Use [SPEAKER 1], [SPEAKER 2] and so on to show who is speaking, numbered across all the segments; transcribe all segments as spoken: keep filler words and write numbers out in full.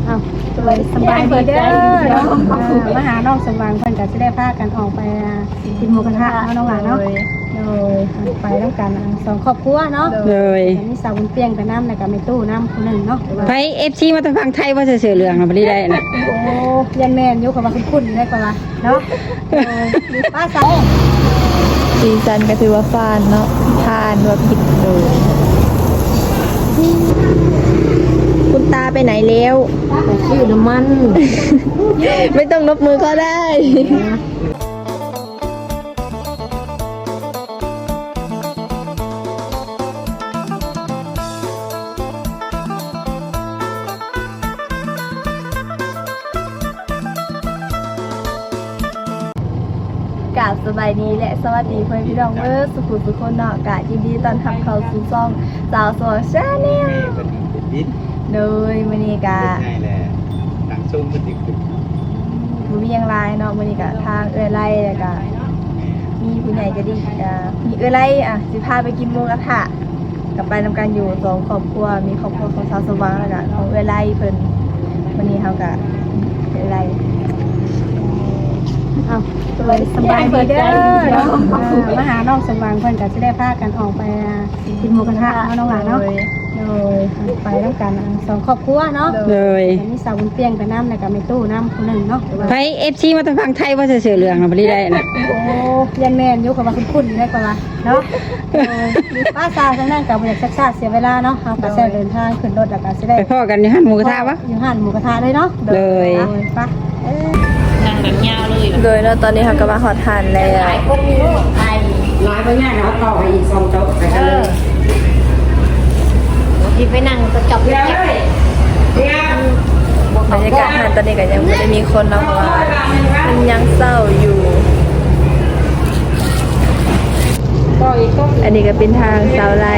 [SPEAKER 1] เอาสบายสบายดีเด้อเนาะมาหาน้องสว่างเพิ่นก็สิได้พากันออกไปกินหมูกระทะเนาะน้องหลานเนาะโดยไปต้องกันสองครอบครัวเนาะ
[SPEAKER 2] เลย
[SPEAKER 1] มีสาวบุญเปียงไปน้ำแล้วก็แม่ตู้น้ำคนหนึ่งเนาะ
[SPEAKER 2] ไป เอฟ ซี มาทางฝั่งไทยว่าจะเสือเหลืองอ่ะบ่ได้นะ
[SPEAKER 1] โอ้ยันแม่นอยู่กับว่าคุ้นๆได้กว่าเนาะมีป้าสาว
[SPEAKER 3] ซีซันก็ถือว่าฟานเนาะทานว่าผิดเลยคุณตาไปไหนแล้ว
[SPEAKER 1] ชื่อน้ำมัน
[SPEAKER 3] ไม่ต้องนบมือก็ได้กราบสบายดีและสวัสดีเพื่อนพี่น้องเมื่อสุขุมสุขคนเนาะกะยินดีตอนทำเขาสู่ซองสาวสวยชาแนลโดยมันนี่กะ
[SPEAKER 4] ง่ายแหละทางซุ้มมันติดขึ้น
[SPEAKER 3] บุมียังไรเนาะมันนี่กะทางเอื้อไล่แล้วกะมีผู้ใหญ่จะดีกะมีเอื้อไล่อ่ะสิพาไปกินหมูกระทะกับไปนำกันอยู่สองครอบครัวมีครอบครัวของสาวสว่างแล้วกะของเอื้อไล่เพิ่นวันนี้เขากะเอื้อไล่
[SPEAKER 1] เอาสบายสบายดีเด้อเนาะมาหาน้องสว่างเพิ่นก็สิได้พากันออกไปกินหมูกระทะเนาะน้องหลานเนาะโดยไปต้องกันสองครอบครัวเนาะ
[SPEAKER 2] เลย
[SPEAKER 1] มีสาวบุญเปียงไปน้ำแล้วก็แม่ตู้น้ำคนหนึ่งเนาะ
[SPEAKER 2] ไป เอฟ ซี มาทางฝั่งไทยว่าจะเสือเหลืองอ่ะบ่ได้นะ
[SPEAKER 1] โอ้ยันแม่นอยู่กับว่าคุ้นๆได้กว่าเนาะมีป้าสาวทั้งนั้นก็บ่อยากซักๆเสียเวลาเนาะเฮาก็สิเดินทางขึ้นรถแล้วก็สิได้
[SPEAKER 2] ไปพ่อกันอยู่ห้านหมูกระทะวะ
[SPEAKER 1] อยู่ห้านหมูกระทะเลยเนาะ
[SPEAKER 2] เลย
[SPEAKER 1] ไป
[SPEAKER 3] นั่งแบบยาวเลยโดยเนาะตอนนี้เขาก็มาหอดทานแล้ว
[SPEAKER 2] ร้อยไปง่ายแล้วต่อไปอีกสองโต๊ะไปกันเลย
[SPEAKER 1] ที่ไปนั่งก็จบเลย
[SPEAKER 3] บรรยากาศทานตอนนี้ก็ยังไม่ได้มีคนเนาะเพราะว่ามันยังเศร้าอยู่อันนี้ก็เป็นทางสาวไล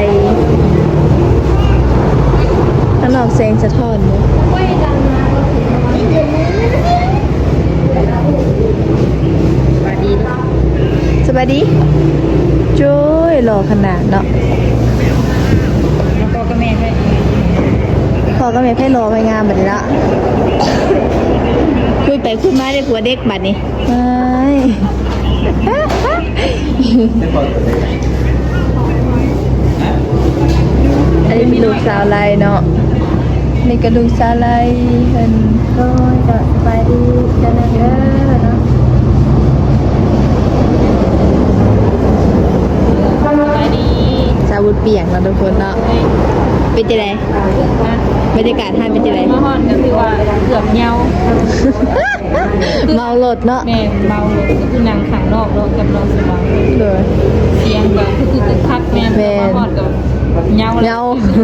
[SPEAKER 3] ข้างนอกแสงสะท้อนเนาะสวัสดีสวัสดีจุ้ยหล่อขนาดเนาะ
[SPEAKER 1] พ่อกับแม่ให้
[SPEAKER 3] พ่อกับแม่ให้รอไปงานแบบนี้ละคุยไปคุยมาได้ผัวเด็กบัดนี้อันนี้มีลูกสาวไรเนาะนี่ก็ลูกสาวไรเพิ่น
[SPEAKER 1] ก็จะสบายดีจะนั่งเด้อเนาะ
[SPEAKER 3] สาวบุญเปียกเราทุกคนเนาะเป็นจะไรบรรยากาศท่านเป็นจะไร
[SPEAKER 5] มาฮอนก็คือว่าเกือบเงา
[SPEAKER 3] เมาหลดเนาะ
[SPEAKER 5] แม่เมาเลยก็คือนางขังนอกเรากับเราสว่าง
[SPEAKER 3] เลย
[SPEAKER 5] เสียงก็คือคือคักแม่มาฮอนกับเงา
[SPEAKER 3] เงา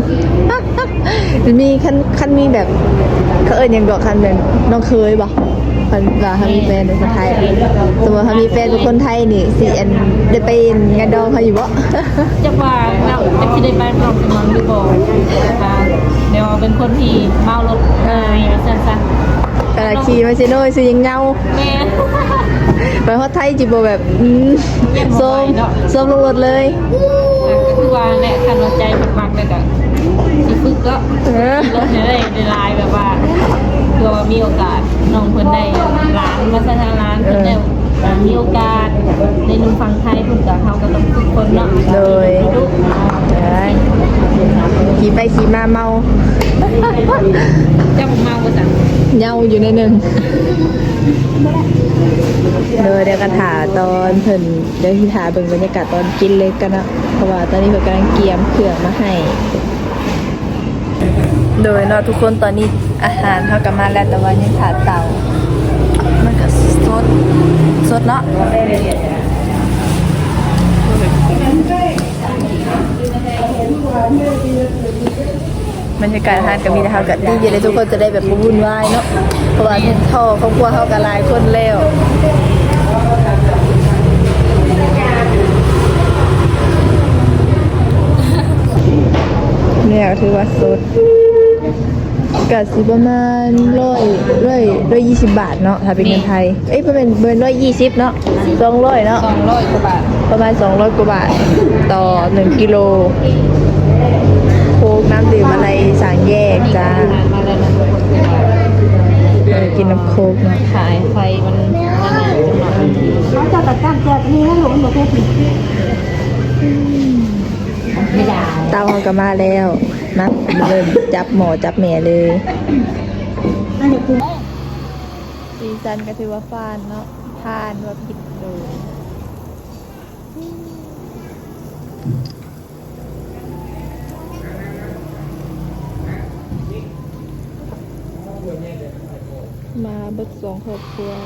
[SPEAKER 3] มีคันคันมีแบบเขาเอิญยังบอกคันเป็นน้องเคยบอกคันว่าเขามีแฟนเป็นคนไทยสมมติเขามีแฟนเป็นคนไทยนี่สิอันได้ไปงานดองเขาอยู่บ่
[SPEAKER 5] จะว่าเราจะคิดได้บ้านเราจะมองดูบ่ค่ะเดี๋ยวเป็นคนที่เมารถเออสั้นๆ
[SPEAKER 3] กระขี่มาซิโน่ซื้อยังเงา
[SPEAKER 5] แม่
[SPEAKER 3] ไปฮอดไทยจิบแบบส้มส้มลงรถเลย
[SPEAKER 5] ก็คือว่าแหละคันว่าใจมากๆเลยก็สิฝึกก็รถได้ในลายแบบว่าเพื่อว่ามีโอกาสน้องเพิ่นได้ร้านมาสร้างร้านเพิ่นได้มีโอกาสในนุ่มฟังไทยเพิ่นก็เฮาก็ต้องฝึกคนเนาะ
[SPEAKER 3] เลยขี่ไปขี่มาเมา
[SPEAKER 5] เจ้าเมาบ่สั่ง
[SPEAKER 3] เงาอยู่ในหนึ่งเดี๋ยวเดี๋ยวกันถาตอนเพิ่นเดี๋ยวที่ถาเบิ่งบรรยากาศตอนกินเลยกันนะเพราะว่าตอนนี้เพิ่นกำลังเตรียมเครื่องมาให้โดยเนาะทุกคนตอนนี้อาหารเท่ากับมาแล้วแต่ว่ายังขาดเตามันก็สดสดเนาะบรรยากาศทานก็มีแต่เฮากับที่เย็นเลยทุกคนจะได้แบบวุ่นวายเนาะเพราะว่าท่อครอบครัวเฮากับหลายคนแล้วเนี่ยถือว่าสดก็สิประมาณร้อยร้อยร้อยยี่สิบบาทเนาะถ้าเป็นเงินไทยเอ้ยประมาณเบอร์ร้อยยี่สิบเนาะสองร้อยเนาะ
[SPEAKER 5] สองร้อยกว่าบาท
[SPEAKER 3] ประมาณสองร้อยกว่าบาทต่อหนึ่งกิโลโค้กน้ำดื่มอะไรสั่งแยกจ้าน้ำโคกเนาะ
[SPEAKER 5] ขายไฟมันนานๆจังหน่อยบางที
[SPEAKER 1] เขาจะตัดการแจกนี่ให้หลงบ่เพชร
[SPEAKER 2] ไม่ได้
[SPEAKER 3] เตาเขาก็มาแล้วมาเริ่มจับหมอจับแม่เลย
[SPEAKER 1] อันนี้คือ
[SPEAKER 3] ซีซันก็ถือว่าฟานเนาะทานว่าผิดเลยมาเบิดสองครอบครัว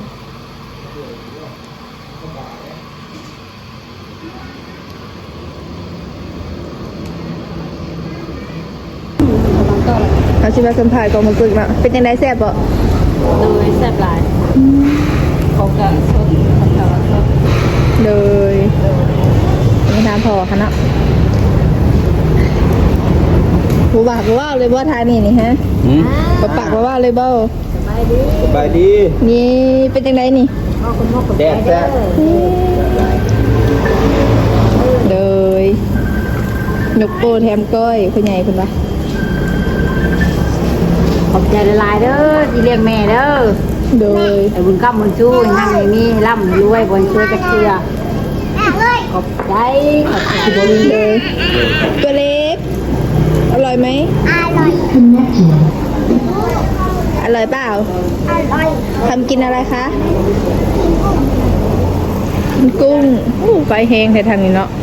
[SPEAKER 3] เอาชิมาสัมผัสกองมาฝึกเนาะเป็นยังไงแซ่บบ่
[SPEAKER 5] โดยแซ่บหลายเขาก็สดเขาก็สด
[SPEAKER 3] เลยไม่ทานพอค่ะเนาะบูบากว่าเลยบ่ทานนี่นี่ฮะ
[SPEAKER 4] หืม
[SPEAKER 3] บ่ปากว่าเลยบ่
[SPEAKER 4] สบายดี
[SPEAKER 3] นี่เป็นจังไดนี่
[SPEAKER 4] แดดแซ่บ
[SPEAKER 3] เลยยกโปแถมก้อยคุณใหญ่คุณปะ
[SPEAKER 2] ขอบใจละลายเด้อที่เลี้ยงแม่เด้อ
[SPEAKER 3] เลย
[SPEAKER 2] ไอ้บุญกำบุญชู้นั่งในนี้ร่ำรวยบนช่วยกระเชือขอบใจขอบใจบริ
[SPEAKER 3] เลยตัวเล็กอร่อยไหมอร่อยอร่อยเปล่าอร่อยทำกินอะไรคะกินกุ้งอู้ไฟแห้งแต่ทางนี้เนาะ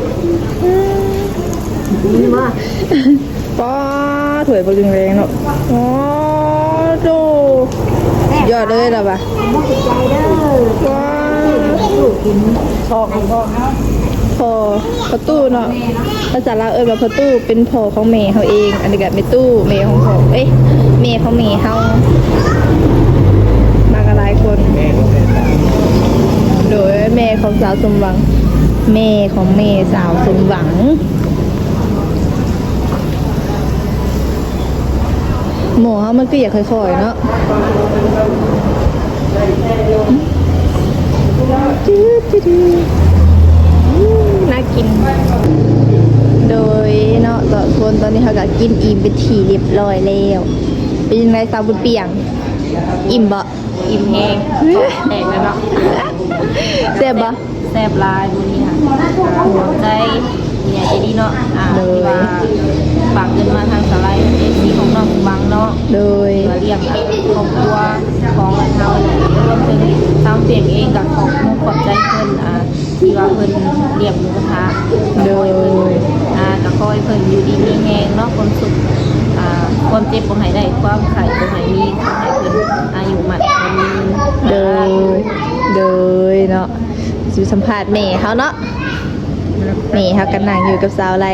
[SPEAKER 2] นี่มา
[SPEAKER 3] ป้าถวยบริงแรงเนาะอ๋อโจยอดเลยเหรอปะ
[SPEAKER 2] ขอบใจเด้อ
[SPEAKER 3] ว้า
[SPEAKER 2] ลูกกินชอบชอบ
[SPEAKER 3] พอประตูเนาะภาษาลาวเอิ้นว่าประตูเป็นพ่อของแม่เขาเอง อันนี้ก็เป็นตู้แม่ของเขาเอ้ยแม่ของแม่เขามากันหลายคน
[SPEAKER 4] แม่ก็แม่ตา
[SPEAKER 3] โดยแม่ของสาวสมหวัง แม่ของแม่สาวสมหวังหมูเขามันก็อยากค่อยๆเนาะจืดจืดน่ากิน โดยเนาะต่อคนตอนนี้เขาก็กินอิ่มเป็นทีเรียบร้อยแล้วเป็นยังไงสาวบุญเปียง อิ่มบ่
[SPEAKER 5] อิ่มแห้งแตกแล้วเนาะ
[SPEAKER 3] เสียบบ่
[SPEAKER 5] แซ่บหลายมื้อนี้ค่ะหัวใจเนี่ยจะดีเนาะอ่า
[SPEAKER 3] เลย
[SPEAKER 5] ที่ว่าฝากเงินมาทางสไลด์เอซีของน้องบังเนาะ
[SPEAKER 3] โดย
[SPEAKER 5] มาเลี้ยงครอบครัวของเรารวมถึงทางเปียงเองกับของมุกขอบใจเพิ่นอ่าที่ว่าเพิ่นเลี้ยงหมูกระทะ
[SPEAKER 3] โดย
[SPEAKER 5] อ่ากับคอยเพิ่นอยู่ดีมีแฮงเนาะความสุขอ่าความเจ็บบ่ให้ได้ความไข่บ่ให้มีขอให้เพิ่นอายุมั่นขวัญยืน
[SPEAKER 3] โดย โดยเนาะสิสัมภาษณ์แม่เขาเนาะแม่เขากันนั่งอยู่กับสาวไร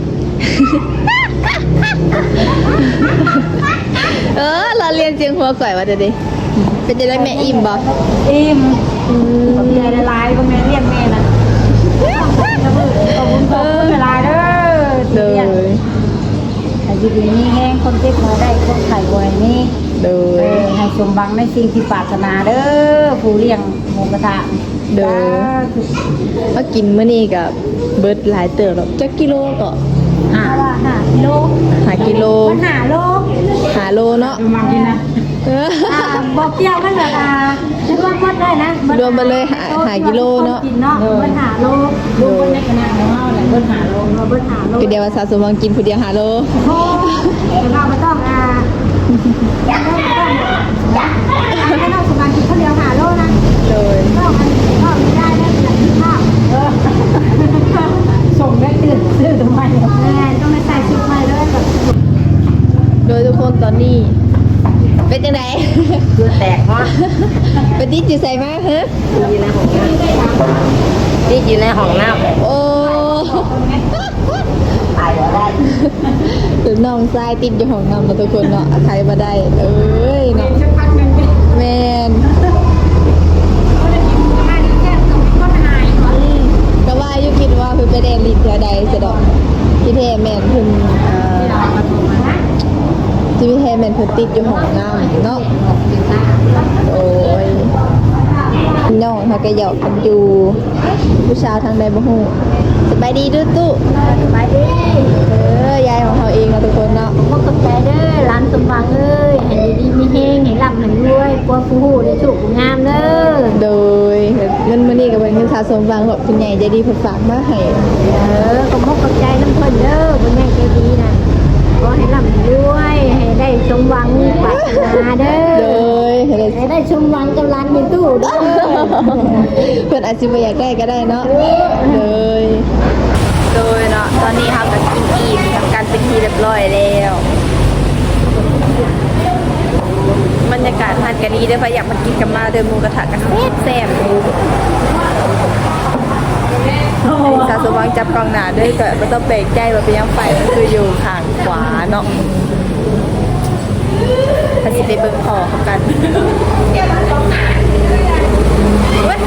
[SPEAKER 3] เออเราเรียนเสียงหัวก่อยว่าจะดิเป็นจะได้แม่อิ่มบ่
[SPEAKER 2] อิ่มขอบใจละลายก็แม่เลี้ยงแม่นะขอบคุณขอบคุณละลายเด้อ
[SPEAKER 3] โด
[SPEAKER 2] ที่เลี้ยง
[SPEAKER 3] ย
[SPEAKER 2] แต่อยู่ดีนี่แห้งคนเจ็บมาได้คนไข่บวยนี่
[SPEAKER 3] โด
[SPEAKER 2] เอย อให้สมบังในสิ่งที่ปรารถนาเด้อผู้เลี้ยงหมูกระทะ
[SPEAKER 3] โดย มากินมื้อนี้กับเบิร์ดหลายเติบหรอกจักกิโลก็
[SPEAKER 2] อ่าว่าห้ากิโล
[SPEAKER 3] หากิโล
[SPEAKER 2] มันหาโล
[SPEAKER 3] หาโลเนาะ
[SPEAKER 2] มากินนะ
[SPEAKER 3] เออ
[SPEAKER 2] อ่าบอกเกี่ยวกันแบบอ่าคิดว่าหมดได้นะ
[SPEAKER 3] รวมไปเลยหาหากิโลเนาะ
[SPEAKER 2] กินเนาะมันหาโลรวมกันในคณะของเราแหละเบิ้ลหาโลเราเบิ้ลหาโล
[SPEAKER 3] คือเดียวว่าสาวสมหวังกินผู้เดียวหาโล
[SPEAKER 2] โอ้เราไม่ต้องอ่าไม่ต้องไม่ต้องไม่ต้องสมบังกินข้าวเดียวหาโลนะ
[SPEAKER 3] โดย
[SPEAKER 2] ก็มันก็ไม่ได้ได้หลายที่ภาพเออส่งได้ตื่นตื่นทำไมแม่ต้องไปใส่ชุดใหม่ด้วยแบบ
[SPEAKER 3] โดยทุกคนตอนนี้ เป็นยังไง
[SPEAKER 2] คือแตกฮะ
[SPEAKER 3] เป็นที่จิใส่มาฮะ
[SPEAKER 2] อยู่ในห้องน้ำที่อยู่ในห้องน้ำ
[SPEAKER 3] โอ้
[SPEAKER 2] ตายแล้วได้
[SPEAKER 3] หรือน้องทรายติดอยู่ห้องน้ำมาทุกคนเนาะใครมาได้ เอ้ยเนาะแมนก็ว่าอยุคิดว่าเพิ่นไปแดนลินเท่าใดสะดอกพี่เทแมนเพิ่นเอ่อที่พี่เทแมนเพิ่นติดอยู่ห้องน้ำเนาะโอ้ยน้องเขาก็หยอกกันอยู่ผู้ชายทางใดบ่ฮู้สบายดีเด้วยตู้
[SPEAKER 2] สบายดี
[SPEAKER 3] เออยายของเขาเองนะทุกคนเนาะ
[SPEAKER 2] พวกกับใจเด้อร้านสมบังเอ้ยให้ดีมีแห้งให้ร่ำให้รวยความ
[SPEAKER 3] สมหวังแบบคุณใหญ่ใจดีเพิ่นฝากมาให้
[SPEAKER 2] เออขอบมกขอบใจน้ำเพิ่นเด้อคุณแม่ใจดีนะขอให้ร่ำรวยให้ได้สมหวังปรารถนาเด้
[SPEAKER 3] เล
[SPEAKER 2] อย
[SPEAKER 3] ให้ได้
[SPEAKER 2] ให้ได้สมหวังกับร้านมีตู้เด้อ
[SPEAKER 3] เพิ่นอาจสิบ่อยากได้ก็ได้เนาะเลย โดยเนาะตอนนี้เราก็กินอิ่มทำการเป็นทีเรียบร้อยแล้วบรรยากาศทานกันดีเด้อพะอยากมากินกันมาเดินหมูกระทะกันแซ่บแซ่บสาสว่างจับกล้องหน้าด้วยก็ไม่ต้องแปลกใจว่าเป็นยังไฟมันคืออยู่ข้างขวาเนาะถ้าสิไปเบิ่งคอเขากันเว้ย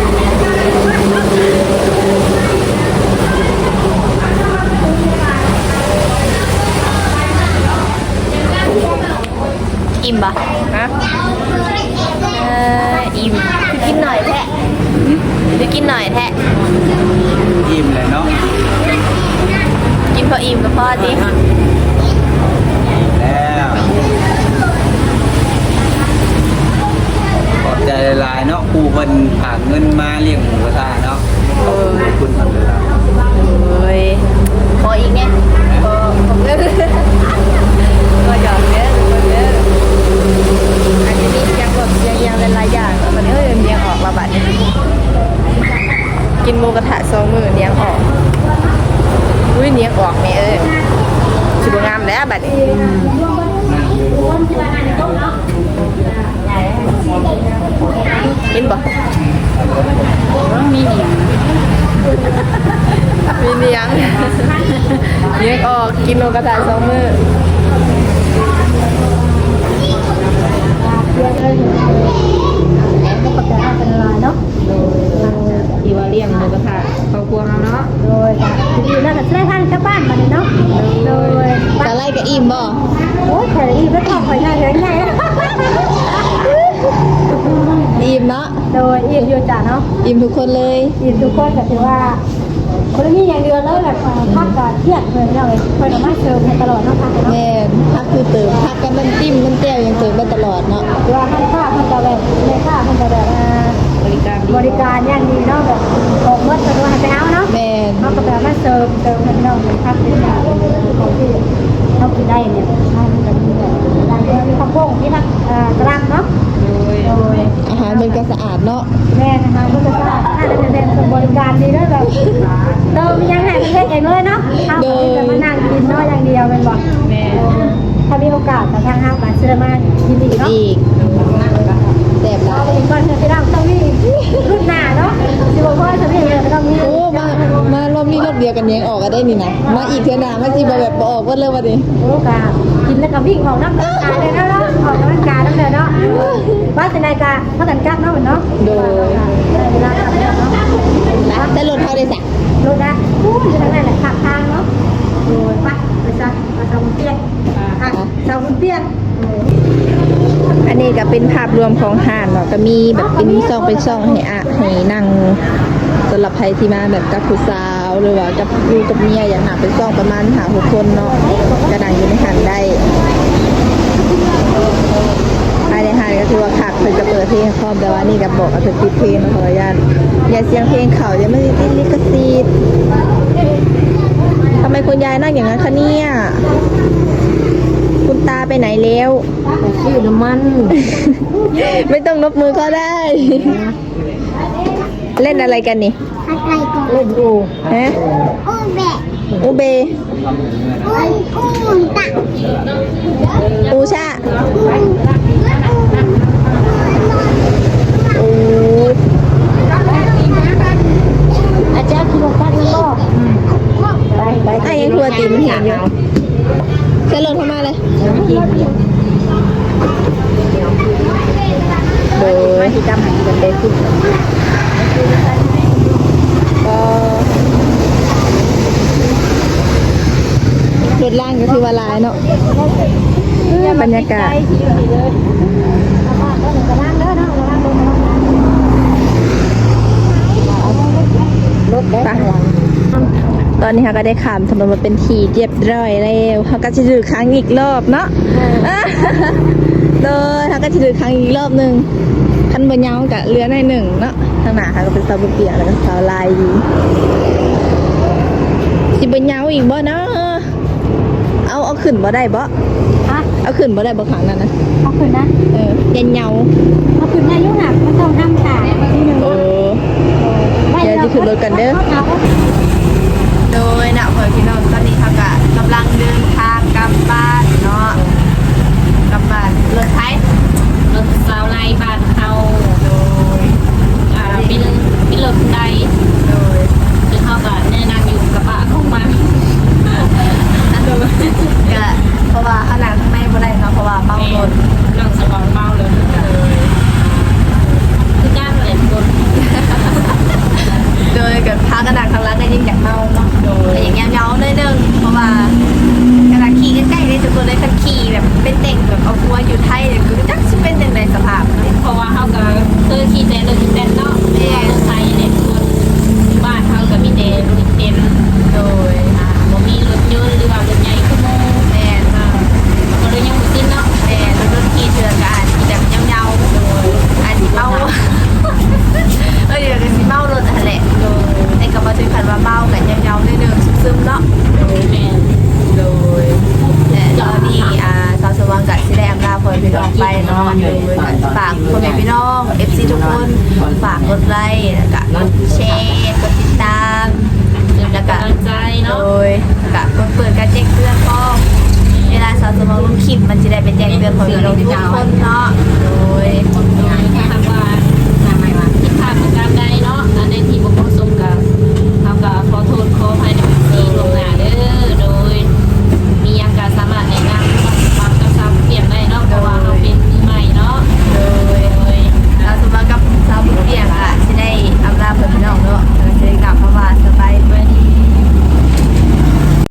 [SPEAKER 3] อิ่มปะฮะเอออิ่มคือกินหน่อยแท้คือกินหน่อยแท้
[SPEAKER 4] อิ่มเลยเนาะ
[SPEAKER 3] กินพออิ่มกับพ่อดิ
[SPEAKER 4] แล้วขอบใจหลายๆเนาะครูเพิ่นฝากเงินมาเลี้ยงหมูกระทะเนาะขอบคุณเพิ่นเลยล่ะ
[SPEAKER 3] โอ้ยพออีกเนี่ยพอผมเลิกก็หยอกเยอะคนเยอะอันนี้มียังแบบยังยังหลายๆอย่างมันเอ้ยเนียงออกมาบัดนี้กินหมูกระทะสองมือเนียงออกอุ้ยเนียงออกแม่เอ้ยสุดงามแล้วบัดนี้กินบ่มีเนียงมีเนียงเนียงออกกินหมูกระทะสองมือ
[SPEAKER 2] ขอบใจมากเป็นอะไรเนาะ
[SPEAKER 5] ที่ว่าเลี้ยงหมูกระทะครอบครัวเราเนาะ
[SPEAKER 2] โดยดีแล้วก็ได้ท่านกลับบ้านมาเลยเนาะโดย
[SPEAKER 3] ตะไลกับอิ่มบ่
[SPEAKER 2] โอ้ยข่อยอีกไม่ต้องข่อยง่ายเลยง่าย
[SPEAKER 3] อิ่มเนาะ
[SPEAKER 2] โดยอีกอยู่จ้ะเนาะ
[SPEAKER 3] อิ่มทุกคนเลย
[SPEAKER 2] อีกทุกคนก็ถือว่าคนนี้อย่างเดียวแล้วแบบพักก่อนเที่ยงเลยเราเลยคอยมาเชิญตลอดเนาะพักเนาะ
[SPEAKER 3] แม่นพักคือเติมพักกันน้ำจิ้มน้ำแจ่วยังเติมได้ตลอดเนาะ
[SPEAKER 2] ว่าท่านข้าท่านจะแบบในข้าท่านจะแบบ
[SPEAKER 5] บริการดี
[SPEAKER 2] บริการอย่างดีเนาะแบบออกเมื่อตัวให้ไปเอาเนาะ
[SPEAKER 3] แม่น
[SPEAKER 2] เขาก็แบบมาเติมเติมให้เราเป็นพักเป็นอย่างของที่เรากินได้เนี่ยให้มันจะมีแบบร้านเดียวมีข้าวโพดที่นักกระลังเนาะ
[SPEAKER 5] โดย
[SPEAKER 2] โดย
[SPEAKER 3] อาหารมันก็สะอาดเนาะ
[SPEAKER 2] แม่นะคะก็จะทราบน่าจะเป็นบริการดีด้วยแบบเติมยังไงประเทศเองเลยเนาะเขาจะมานั่งกินเนาะอย่างเดียวเป็นบอก
[SPEAKER 5] แม่
[SPEAKER 2] ถ้ามีโอกาสกับทางห้างการเชื่อมายินดีเนาะ
[SPEAKER 3] อีกแซ่บหลา
[SPEAKER 2] เรา
[SPEAKER 3] ย
[SPEAKER 2] เป็นก่อนเชื่อพี่น้องต้องมีรุ่นหน้าเนาะสิบอกว่าจะมีเลยต้องมี
[SPEAKER 3] โอ้มามารอบนี้รอบเดียวกันยังออกก็ได้นี่นะมาอีกเท่านามาจีบแบบบ่ออกว่าเลยวันนี้
[SPEAKER 2] โอกาสกินแล้วก็วิ่งออกน้ำกายเลยนะเนาะออกกำลังกายนั่นเลยเนาะว่าจะนายกาพักกันกับเนาะเนาะเวลาขับเนาะ
[SPEAKER 3] นะได้รถเท่าได้สัก
[SPEAKER 2] รถนะพูดอยู่ทางนั้นแหละขับทางเนาะโอ้ยไปไปซะมาทำเตี้ยอ่ะทำเตี้ย
[SPEAKER 3] อันนี้ก็เป็นภาพรวมของห้างเนาะก็มีแบบเป็นช่องเป็นช่องให้อะให้นั่งสำหรับใครที่มาแบบกับผู้สาวหรือว่ากับอยู่กับเมียอย่างหนักเป็นช่องประมาณหาหกคนเนาะก็นั่งอยู่ในห้างได้ภายในห้างก็คือว่าคักเพิ่นจะเปิดเพลงคอมแต่ว่านี่ก็บอกว่าเพิ่นปิดเพลงนะขออนุญาตอย่าเสียงเพลงเขาจะไม่ได้ติดลิขสิทธิ์ทำไมคุณยายนั่งอย่างนั้นคะเนี่ยคุณตาไปไหนแล้ว
[SPEAKER 2] ชื่อน้ำมัน
[SPEAKER 3] ไม่ต้องนบมือก็ได้ เล่นอะไรกันนี่
[SPEAKER 2] อะไรก่อนเล่นดู
[SPEAKER 3] ฮะ
[SPEAKER 2] โอ้แบะ
[SPEAKER 3] อูเบ
[SPEAKER 2] โอ้ยอู้ตะ
[SPEAKER 3] อูชาอู
[SPEAKER 2] อาจารย์คิดว่ากันแล้วก็ไปไป
[SPEAKER 3] ไอ้ยังครัวตีมันเห็นอยู่เส้นลงเข้ามาเลยโดยที่จำหันกันได้ขึ้นก็รถล่างก็คือว่าลายเนาะบรรยากาศรถไปตอนนี้เขาก็ได้ขามถนนมาเป็นทีเรียบร้อยแล้วเขาก็จะดูครั้งอีกรอบเนาะโดยเขาก็ก็จะเดินครั้งอีกรอบหนึงคันบ่ยาวก็เรือในหนึ่งเนาะทางหน้าค่ะก็เป็นสาวเปียแล้วก็สาวลายอยู่สิบ่ยาวอีกบ่เนาะเอาเอาขึ้นบ่ได้บ่
[SPEAKER 2] ฮะ
[SPEAKER 3] เอาขึ้นบ่ได้บ่ขังนั่นนะ
[SPEAKER 2] เอาขึ้นนะ
[SPEAKER 3] เออยันเหยา
[SPEAKER 2] เอาขึ้นได้ยุ่งหนักมันต้องห้ามขาทีนึง
[SPEAKER 3] เออ เดี๋ยวจะขึ้นรถกันเด้อ โดยนะเพื่อนพี่น้องตอนนี้เขาก็กำลังเดินทางกลับบ้านเนาะกลับบ้านรถไถ
[SPEAKER 5] รถสาวไล่บ้านเขา
[SPEAKER 3] โดย
[SPEAKER 5] อ่าเป็นเป็นรถใด
[SPEAKER 3] โดย
[SPEAKER 5] คือเขาก็แนะนำอยู่กระบะของมัน
[SPEAKER 3] อันโดยก็เพราะว่าเขาหนังข้างในบ่ได้เนาะเพราะว่าเมารถ
[SPEAKER 5] น้องสมองเมาเลยคือจ้างเลยคน
[SPEAKER 3] โดยกับพากระดาษข้างหล่างก็ยิ่งอยากเมาเนาะแต่อย่างเงี้ยเงาๆหน่อยนึงเพราะว่ากระดาษขี่ใกล้ๆเลยทุกคนเลยคันขี่แบบเป็นเด็กแบบเอาหัวอยู่ไทยเลยคือจักสิเป็นจังไดสภาพเนาะ
[SPEAKER 5] เพราะว่าเขาก็เคยขี่แต่รถเต็นเนาะรถไทยเนี่ยคนบ้านเขาก็มีแต่รถเต็น
[SPEAKER 3] โดย
[SPEAKER 5] อ่าบ่มีรถยนต์หรือว่ารถใหญ่ขโมย
[SPEAKER 3] แม่น
[SPEAKER 5] อ่าก็เลยยังบ่สิ้นเนาะ
[SPEAKER 3] แม่รถรถขี่เถื่อนก็อาจสิแบบเงาๆโดยอาจสิเมา เออเดี๋ยวก็สิเมารถนั่นแหละโดยไอ้ก็มาถึงขั้นว่าเมากันเงาๆนิดนึงซึมๆเนาะ
[SPEAKER 5] แม่น
[SPEAKER 3] โดยและตอนนี้อ่าสาวสว่างกับสิได้อำลาพ่อแม่พี่น้องไปเนาะโดยฝากพ่อแม่พี่น้อง เอฟ ซี ทุกคนฝากกดไลค์แล้วก็กดแชร์กดติดตาม
[SPEAKER 5] แล้วก็กำลังใจ
[SPEAKER 3] โด
[SPEAKER 5] เนาะ
[SPEAKER 3] ยกับกดเปิดการแจ้งเตือนก็เวลาสาวสมองลงคลิปมันจะได้เป็นแจ้งเตือนของเราทุกคนเนาะ